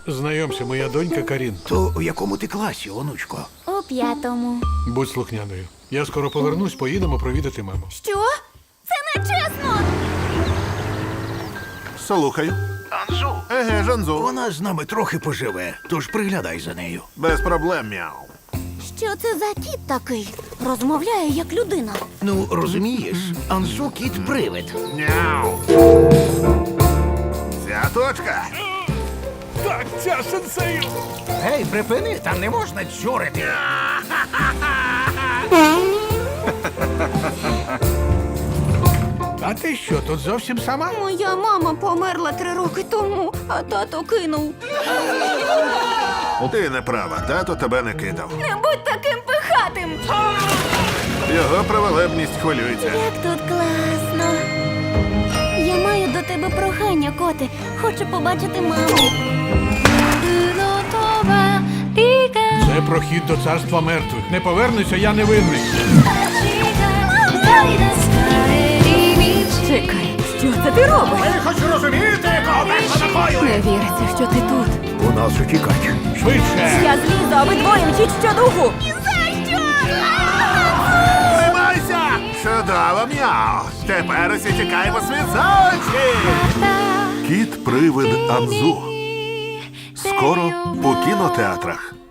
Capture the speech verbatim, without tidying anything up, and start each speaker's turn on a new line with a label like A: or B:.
A: Знайомся, моя донька Карін.
B: То у якому ти класі, онучко?
C: У п'ятому.
A: Будь слухняною. Я скоро повернусь, поїдемо провідати маму.
C: Що? Це не чесно!
D: Слухаю.
B: Анзу.
D: Еге, Жанзу.
B: Вона з нами трохи поживе, тож приглядай за нею.
D: Без проблем, мяу.
C: Що це за кіт такий? Розмовляє як людина.
B: Ну, розумієш, Анзу кіт-привид.
D: Мяу. Ця точка.
A: Так, ця сенсею!
B: Гей, припини, там не можна чурити.
A: А ти що, тут зовсім сама?
C: Моя мама померла три роки тому, а тато кинув.
D: Ти не права, тато тебе не кидав.
C: Не будь таким пихатим!
D: Його праволебність хвилюється.
C: Як тут класно. Я маю до тебе прохання, коти. Хочу побачити маму.
A: Це прохід до царства мертвих. Не повернуся, я не винний.
E: Чекай, що це ти робиш?
B: Ви хоч розумієте, кого перша накоює?
E: Не віриться, що ти тут.
B: У нас утікач.
A: Швидше!
E: Я злізу, а ви двоє мчіть щодуху.
D: Тримайся! Чудово, мяу. Тепер усі тікаємо світ за очі. Кіт-привид Анзу. Скоро у кінотеатрах.